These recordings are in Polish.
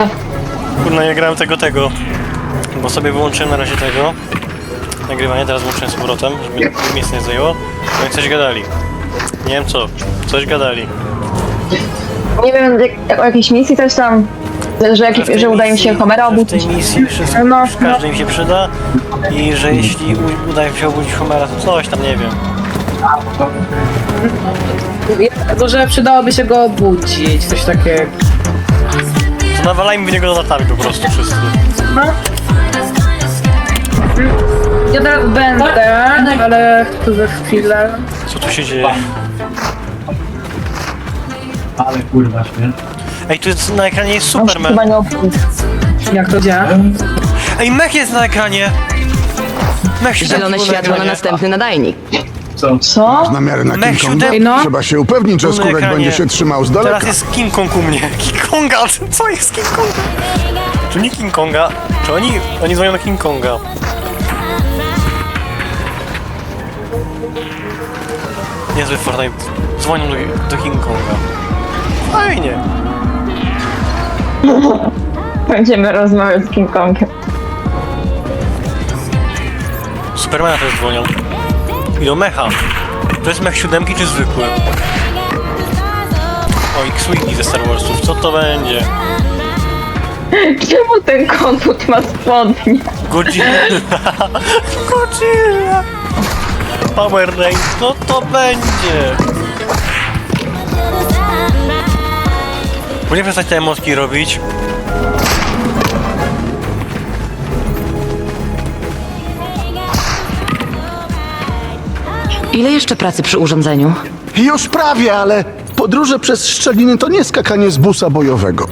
Kurna, nie grałem tego. Bo sobie wyłączyłem na razie tego nagrywanie, teraz włączyłem z powrotem, żeby miejsce nie zajęło. No i coś gadali. Nie wiem co. Coś gadali. Nie wiem, o jakiejś misji coś tam, że udaje mi się Homera obudzić. W tej misji wszystko, każdy im się przyda i że jeśli uda im się obudzić Homera, to coś tam, nie wiem. Może przydałoby się go obudzić, coś takiego. To nawalajmy w niego latami po prostu wszyscy. No. Ja teraz będę, ale za chwilę. Co tu się dzieje? Ale kurwa śmierć. Ej, tu jest na ekranie jest On się Superman. chyba nie obudzi. Jak to działa? Ej, mech jest na ekranie! Mech się Zielone zapił światło na ekranie. następny nadajnik. Co? Co? Namiary na Mech King Konga? siódemki. No. Trzeba się upewnić, że Tu na skórek ekranie. będzie się trzymał z Teraz daleka. jest King Kong u mnie. King Konga! Co jest King Konga? To nie King Konga. Czy oni dzwonią do King Konga? Niezły Fortnite. Dzwonią do King Konga. Fajnie. Będziemy rozmawiać z King Kongiem. Supermana też dzwonią. I do mecha. To jest mech 7 czy zwykły? O, X-Wing ze Star Warsów. Co to będzie? Czemu ten komput ma spodnie? Godzilla. Godzilla. Power Rangers. Co to będzie? Bo nie przestać te emotki robić. Ile jeszcze pracy przy urządzeniu? Już prawie, ale podróże przez szczeliny to nie skakanie z busa bojowego.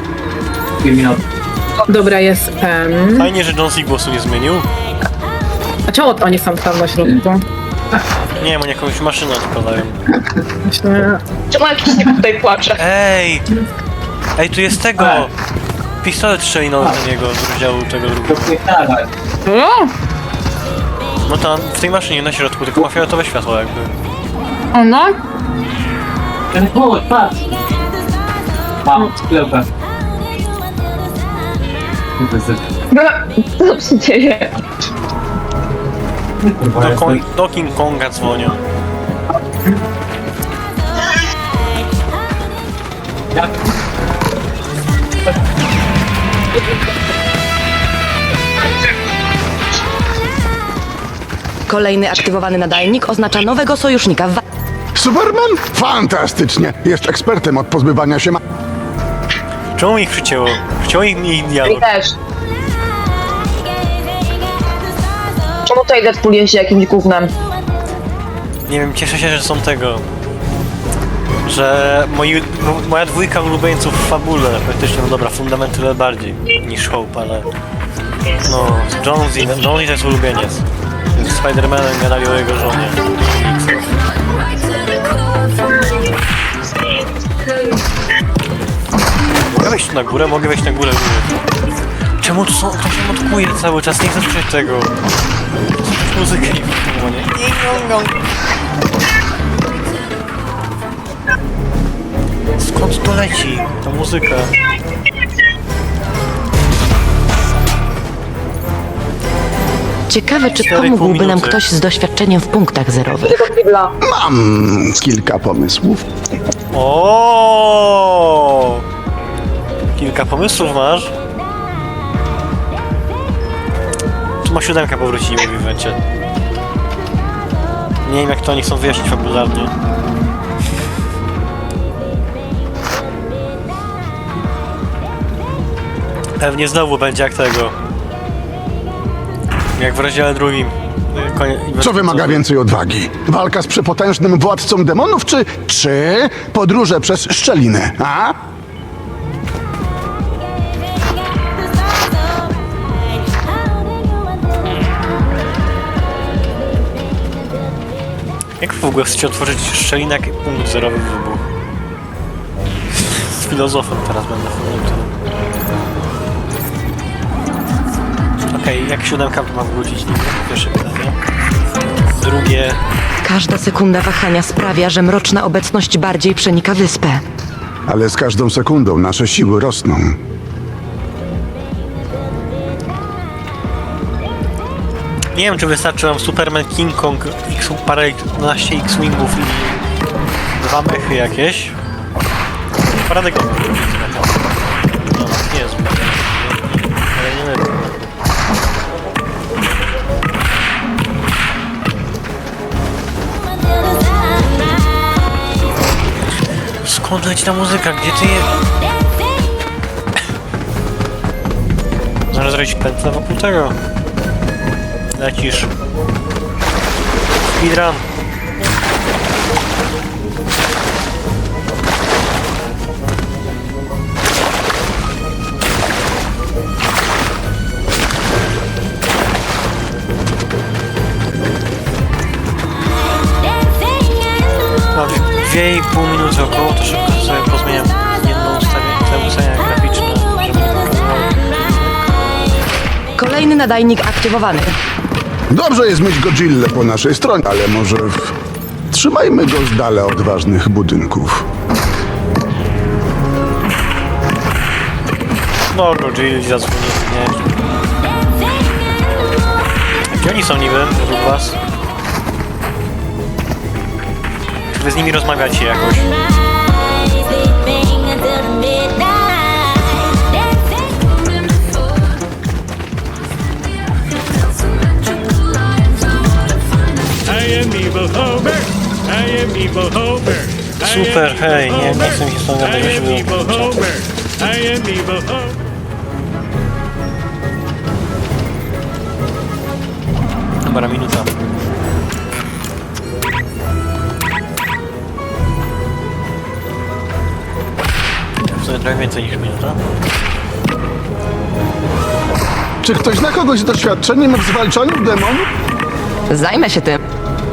Dobra, jest pen. Fajnie, że John C. głosu nie zmienił. A czemu oni są tam na środku? Nie wiem, oni jakąś maszynę odpalają. Myślę, Czemu jakiś typ tutaj płacze? Ej! Ej, tu jest tego! Pistolet strzelinowy do niego z rozdziału tego drugiego. No tam, w tej maszynie na środku, tylko ma fioletowe światło jakby. no? Ten płot, patrz! Mam sklepę. Co się dzieje? Do King Konga dzwonią. Jak? Kolejny aktywowany nadajnik oznacza nowego sojusznika w Superman? Fantastycznie! Jest ekspertem od pozbywania się Czemu ich przycięło? Przycięło ich dialog. I też. Czemu tutaj Deadpool jeździ jakimś gównem? Nie wiem, cieszę się, że są tego. Że moja dwójka ulubieńców w fabule, praktycznie, no dobra, fundamenty bardziej niż Hope, ale... No, Jonesy to jest ulubieniec. Z Spider-Manem gadali o jego żonie. Mogę wejść tu na górę? Mogę wejść na górę. Czemu tu są... Ktoś się motkuje cały czas, nie chcę słyszeć tego. Słyszeć muzykę i nie. Skąd to leci, ta muzyka? Ciekawe, czy 4,5 pomógłby nam minuty. ktoś z doświadczeniem w punktach zerowych. Tego kibla. Mam kilka pomysłów. O! Kilka pomysłów masz? Tu ma 7 powrócić, mówi w evencie. Nie wiem, jak to oni chcą wyjaśnić fabularnie. Pewnie znowu będzie jak tego. Jak w rozdziale drugim. Co wymaga więcej odwagi? Walka z przepotężnym władcą demonów, czy podróże przez szczeliny, a? Jak w ogóle chcecie otworzyć szczelinę, jak punkt zerowy wybuch? Z filozofem teraz będę fundamentem. Okej, jak 7 ma wrócić? Nie wiem, pierwsze pytanie. Drugie... Każda sekunda wahania sprawia, że mroczna obecność bardziej przenika wyspę. Ale z każdą sekundą nasze siły rosną. Nie wiem, czy wystarczy nam Superman, King Kong, parę 12 X-Wingów i 2 mechy jakieś. Paradygmat. No, nie jest zbyt. Ale nie lepiej. Skąd leci ta muzyka? Gdzie ty je... Zaraz zrobić pętlę wokół tego. Lecisz. Speedrun. Mam 2,5 minuty około, to szybko sobie pozmieniam jedno ustawienie graficzne, żeby nie pokazywało. Kolejny nadajnik aktywowany. Dobrze jest mieć Godzillę po naszej stronie, ale może trzymajmy go z dala od ważnych budynków. No, Godzilla zadzwonili, nie? Gdzie oni są niby, według was? Czy wy z nimi rozmawiacie jakoś? Super, hej, nie chcę mi się z tą gadać, że się wyłączyć. Dobra, minuta. W sumie trochę więcej niż minuta. Czy ktoś zna kogoś z doświadczeniem w zwalczaniu demonów? Zajmę się tym.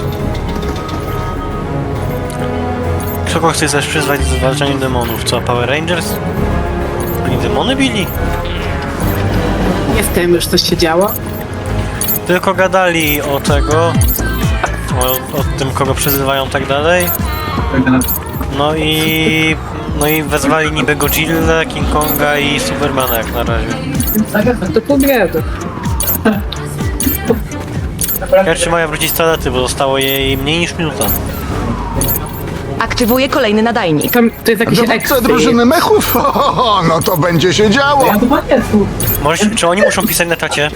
Kogo chce też przyzwać do zwalczania demonów? Co, Power Rangers? Oni demony bili? Nie wiem już, co się działo. Tylko gadali o tego, o tym, kogo przyzywają tak dalej. No i wezwali niby Godzilla, King Konga i Supermana jak na razie. To pół biedy. Pierwszy mają wrócić z toalety, bo zostało jej mniej niż minuta. Aktywuję kolejny nadajnik. Tam to jest jakiś Dowódca ekstra. drużyny mechów? O, no to będzie się działo. Ja chyba nie tu. Czy oni muszą pisać na czacie?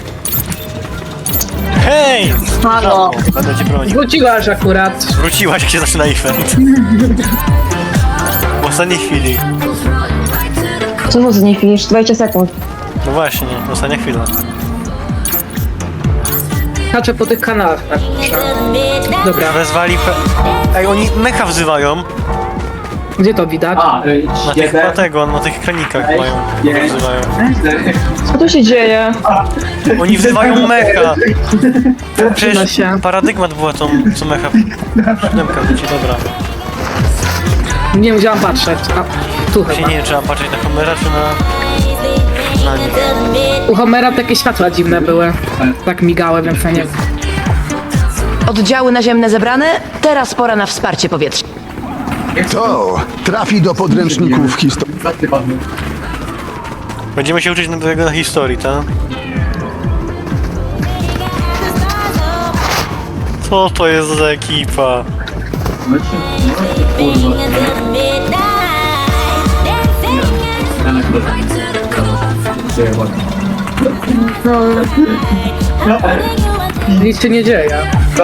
Hej! Halo. Będę cię bronił. Wróciłaś akurat. Wróciłaś, jak się zaczyna event. W ostatniej chwili. Co mu z niej chwilisz? 20 sekund. No właśnie, ostatnia chwila. Skaczę po tych kanałach. Tak. Dobra, Wezwali Ej, oni mecha wzywają. gdzie to widać? A, Na tych, na tych kranikach mają. Wzywają. Co tu się dzieje? Oni wzywają mecha. Przyda Przecież się. paradygmat była tą, co mecha. Siódemka wróci, dobra. Nie wiem, gdzie mam patrzeć. A, tu Właśnie chyba. nie wiem, czy mam patrzeć na kamera, czy na nie. U Homera takie światła dziwne były. Tak migały, więc ja nie wiem. Oddziały naziemne zebrane, teraz pora na wsparcie powietrzne. To trafi do podręczników historii. Będziemy się uczyć na historii, tak? Co to jest za ekipa? Nic się nie dzieje.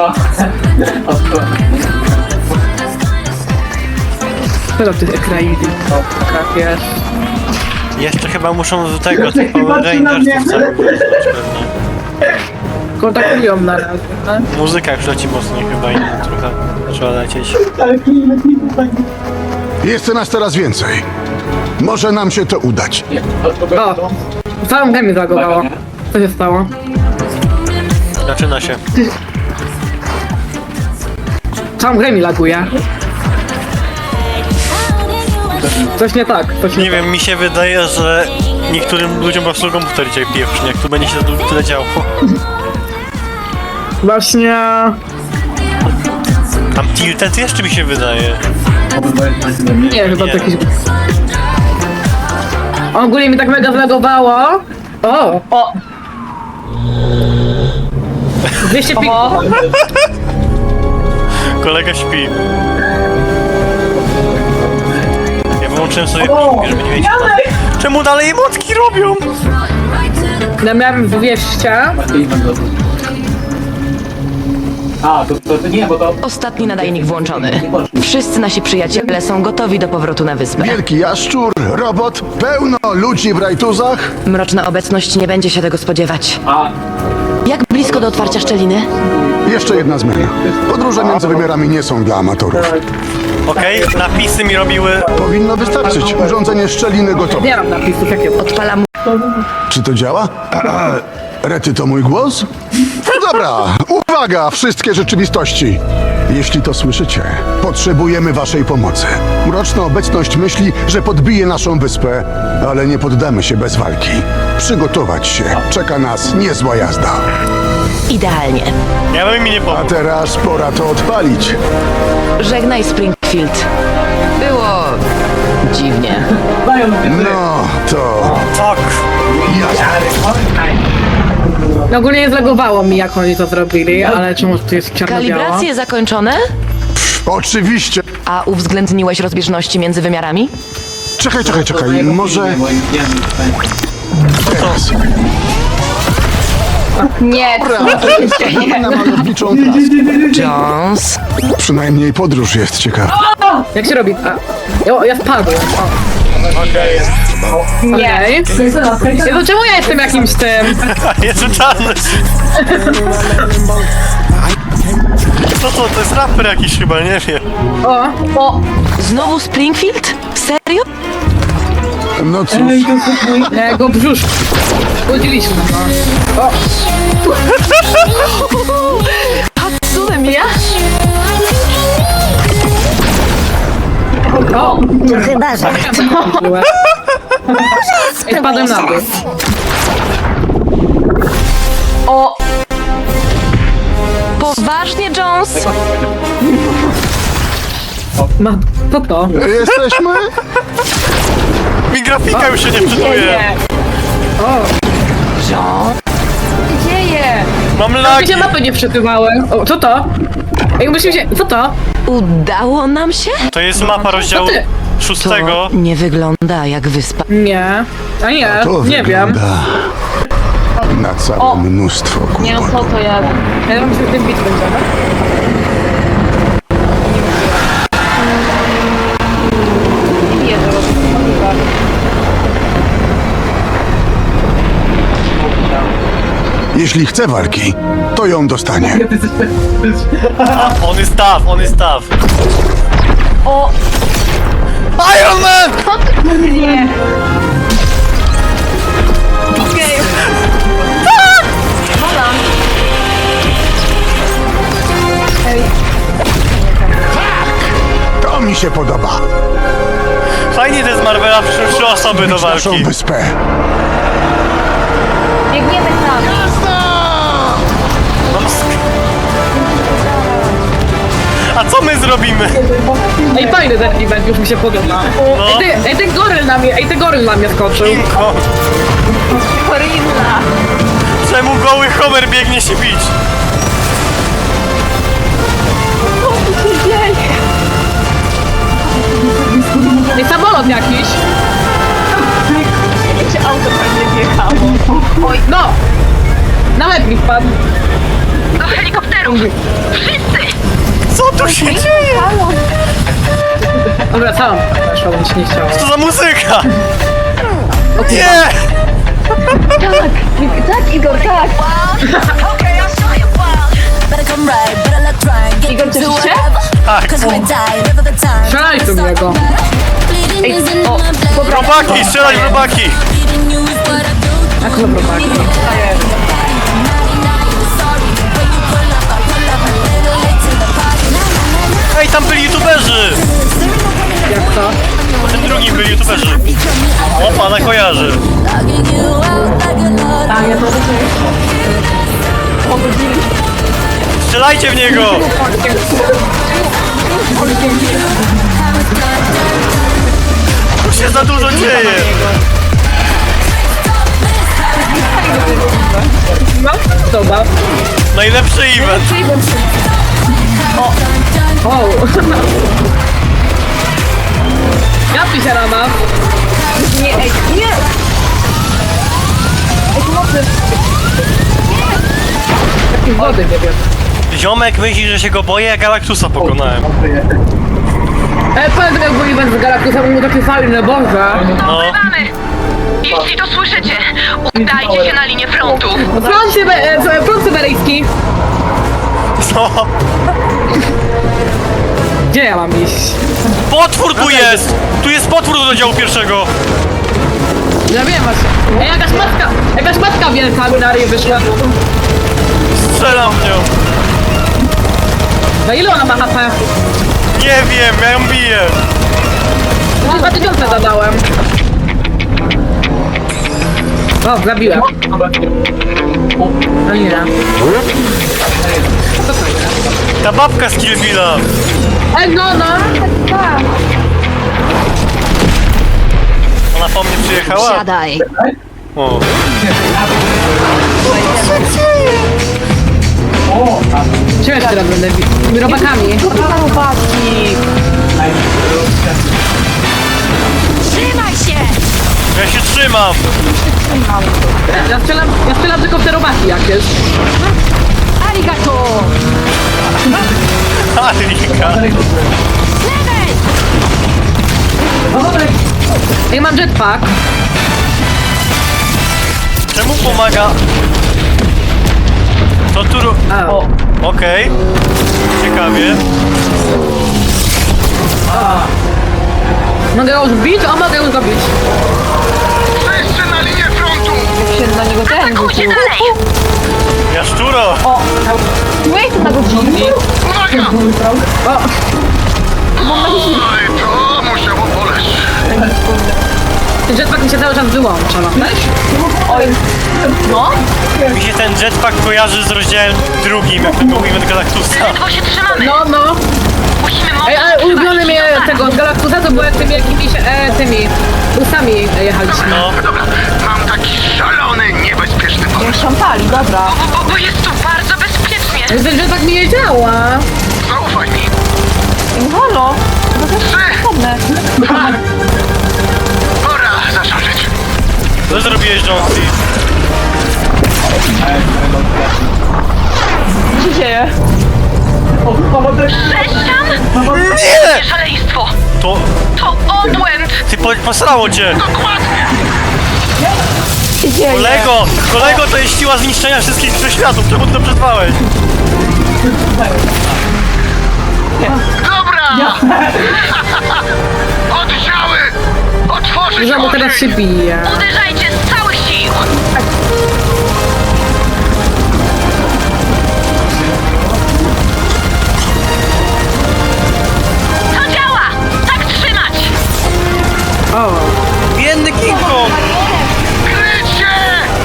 Co do tych ekraidów? Tak jest. Jeszcze chyba muszą do tego, tych Power Rangersów cały pewnie. Kontaktują na razie. Tak? Muzyka już leci mocniej chyba i trochę trzeba lecieć. Jest nas teraz więcej. Może nam się to udać. O! Całą grę mi zagowało. Co się stało? Zaczyna się. Całą grę mi laguje. Coś nie tak, coś nie, Nie wiem, mi się wydaje, że niektórym ludziom po prostu komputer dzisiaj pieprznie, jak tu będzie się tyle działo. Właśnie... Tam tilted jeszcze mi się wydaje. Nie, chyba Nie. to jakiś... Ogólnie mi tak mega zlagowało. O! O! 205. Kolega śpi. Ja wyłączyłem sobie ping, żeby nie wiedzieć. Czemu dalej emotki robią? Ja miałem 200. A, to nie, bo to... Ostatni nadajnik włączony. Wszyscy nasi przyjaciele są gotowi do powrotu na wyspę. Wielki jaszczur, robot, pełno ludzi w rajtuzach. Mroczna obecność nie będzie się tego spodziewać. A, Jak blisko do otwarcia szczeliny? Jeszcze jedna zmiana. Podróże między wymiarami nie są dla amatorów. Okej, napisy mi robiły... Powinno wystarczyć. Urządzenie szczeliny gotowe. Nie mam napisów, jakie... Odpalam. Czy to działa? Rety, to mój głos? No dobra, uwaga, wszystkie rzeczywistości. Jeśli to słyszycie, potrzebujemy waszej pomocy. Mroczna obecność myśli, że podbije naszą wyspę, ale nie poddamy się bez walki. Przygotować się. Czeka nas niezła jazda. Idealnie. Ja bym mi nie A pomógł. teraz pora to odpalić. Żegnaj Springfield. Było... dziwnie. dają mnie. No, to Tak. jazda. Ogólnie nie zlegowało mi, jak oni to zrobili, ale czemu tu jest czarno-biała? Kalibracje zakończone? Oczywiście. A uwzględniłeś rozbieżności między wymiarami? Czekaj, może teraz. Nie, Na malowniczą trasę. Jones. Przynajmniej podróż jest ciekawa. Jak się robi? Ja spadłem. Nie. Jezu, czemu ja jestem jakimś tym? Jest czarny. Co to? To jest raper jakiś chyba, nie wiem. O, Znowu Springfield? Serio? No cóż, nie, go brzuszki. Zgodziliśmy, no. Hatsune ja? O! Chyba, że. I spadłem na dół. o, Poważnie, Jones? Co to? jesteśmy? Mi grafika już się nie wczytuje. dzieje. Mam Mi lagi. się mapy nie wczytywały. O, co to? Ej, musimy się... Co to? Udało nam się? To jest mapa rozdziału To ty. 6. To nie wygląda jak wyspa. Nie. A nie, To nie wiem. wygląda na całe mnóstwo Nie no, co kłopotów. to ja? Ja wiem, że tym bit będziemy. Jeśli chce walki, to ją dostanie. On jest tough, on jest tough. O, Iron Man! nie. Okej. To mi się podoba. Fajnie to jest Marvela, przyszły 3 osoby do Naszą walki. wyspę. Biegniemy tam. Mam A co my zrobimy? Ej, fajny ten event, już mi się podoba. No. Ej, ten goryl na mnie skoczył. Inko. Korinna. Czemu goły Homer biegnie się bić? Co się dzieje? Ej, samolot jakiś. Czy auto pewnie wjechało? Oj, No! Na łeb mi wpadł. Do helikopteru! Co tu się dzieje? Dobra, sam. Weszła, bo mi się nie chciało. Co za muzyka? Nie! tak, Igor, tak. Igor, cieszysz się? Tak. Strzelaj tu niego. Robaki, strzelać w robaki! Jak to robaki? Ej, tam byli youtuberzy! Jak to? Po tym drugim byli youtuberzy. O, pana kojarzy. Strzelajcie w niego! Tu się za dużo dzieje! No, dobra. Najlepszy event! O! Gapi się rana. Nie, ej, nie! Ej, pomocy! Jakiej wody nie wiem. Ziomek myśli, że się go boję, jak Galactusa pokonałem. Pamiętam jak był event z Galactusem, był taki fajny, Boże. No. Jeśli to słyszycie, udajcie się na linię frontu. Front syberyjski. No. Gdzie ja mam iść? Potwór tu jest! Tu jest potwór do działu pierwszego! Ja wiem właśnie. Ej, jakaś matka wielka mi na ryj wyszła. Strzelam w nią! Na ile ona ma HP? Nie wiem, ja ją biję! 2000 zadałem. O, zabiłem. No nie. Ta babka z Kill Billa! Ej, no. Ona po mnie przyjechała? Siadaj. O. Czego jeszcze raz będę bił? Tymi robakami. Trzymaj się! Ja się trzymam! Ja strzelam tylko w te robaki jakieś. Arigato! Alika! Ej, mam jetpack. Czemu pomaga? To tu... Okej. Ciekawie. Mogę ją zbić? O, mogę ją zabić. Wszyscy na linię frontu! Jak się na niego ten Atakujcie rzucił. dalej! Jaszczuro! Nie chcę tego wrzucić. Uwaga! Oj, to musiało boleć. Ten jetpack mi się cały czas wyłącza. Oj, no. Mi się ten jetpack kojarzy z rozdziałem drugim, jak to był event Galactusa. Ledwo się trzymamy! No. Musimy Ej, ale mocno ulubiony trzymać mnie się do tego z Galactusa to było jak tymi jakimiś tymi busami jechaliśmy. No. Dobra, mam taki szalony, niebezpieczny pomysł. Szantali, dobra. Bo jest tu bardzo bezpiecznie. Ten jetpack mi nie działa. Zaufaj mi. Halo, to jest potrzebne. Pora zacząć. Co zrobiłeś, Jonesy? Co się dzieje? Sześcian? Nie! Szaleństwo! To... To obłęd! Ty posrało cię! Dokładnie! Co się dzieje? Kolego, to jest siła zniszczenia wszystkich wszechświatów, czemu ty to przetrwałeś? Dobra! Oddziały! Otworzyć Znowu teraz się ogień! bije. Uderzajcie z całych sił! To działa! Tak trzymać! O. Biedny King Kong! Krycie!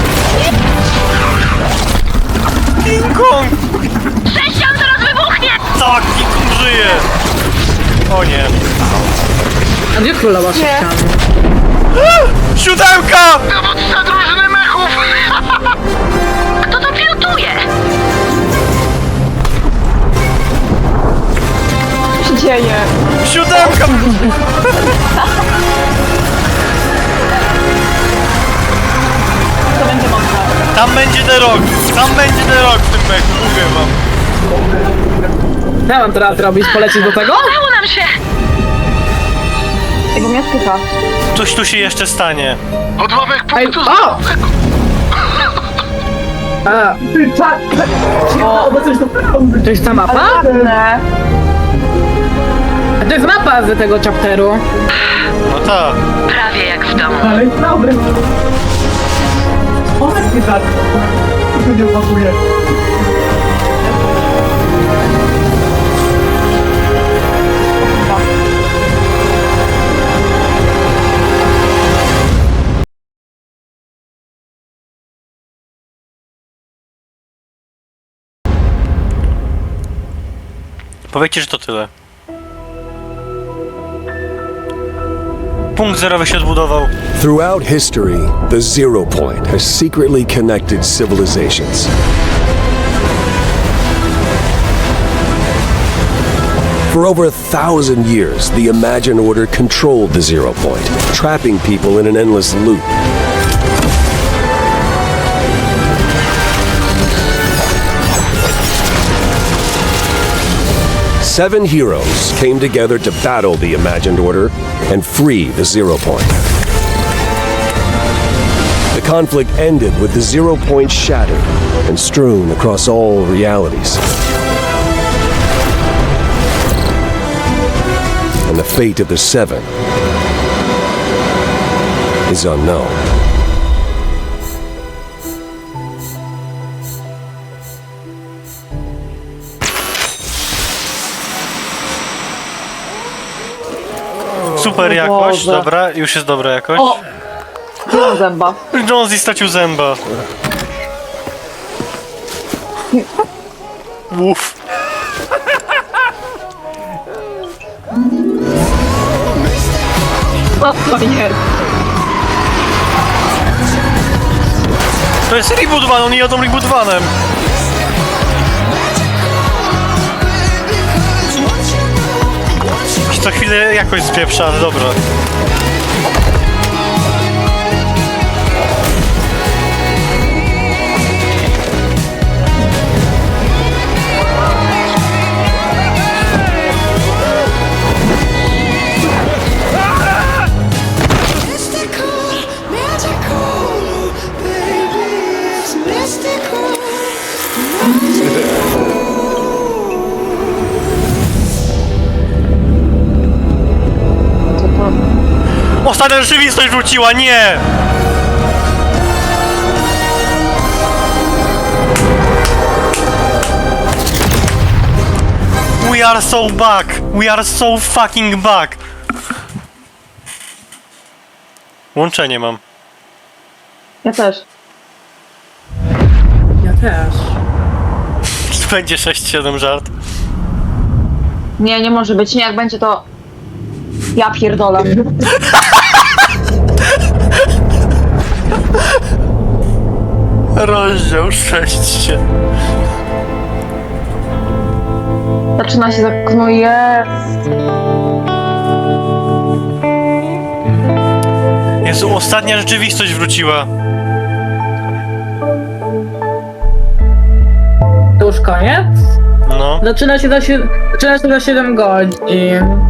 King Kong! Sześcian zaraz wybuchnie! Tak, King Kong żyje! O nie. A gdzie królowa sześcianu? Siódemka! Dowódca drużyny mechów! Kto to pilotuje? Co się dzieje? Siódemka! To będzie mocno. Tam będzie The Rock! Tam będzie The Rock w tym mechu, mówię wam. Co ja mam teraz robić? Polecieć do tego? Udało nam się! Tego mnie spycha. Coś tu się jeszcze stanie. Odłamek Ej, punktu o! A. To jest ta mapa? Ładne. A to jest mapa z tego chapteru. No tak. Prawie jak w domu. Powiedzcie, że to tyle. Punkt zerowy się odbudował. Throughout history, the Zero Point has secretly connected civilizations. For over 1,000 years, the Imagine Order controlled the Zero Point, trapping people in an endless loop. Seven heroes came together to battle the Imagined Order and free the Zero Point. The conflict ended with the Zero Point shattered and strewn across all realities. And the fate of the Seven is unknown. Super jakość, Boże. dobra, już jest dobra jakość. O! Nie mam zęba. Jonesy stracił zęba. Uff. O, to nie. To jest reboot van, oni jadą reboot vanem. I co chwilę jakoś spieprza, ale dobra. Ostatnia rzeczywistość wróciła, nie! We are so back! We are so fucking back! Łączenie mam. Ja też. Ja też. Będzie 6-7 żart. Nie, nie może być. Nie, jak będzie to... Ja pierdolę. Rozdział 6. Zaczyna się tak... No jest. Jezu, ostatnia rzeczywistość wróciła. To już koniec? No. Zaczyna się za 7 godzin.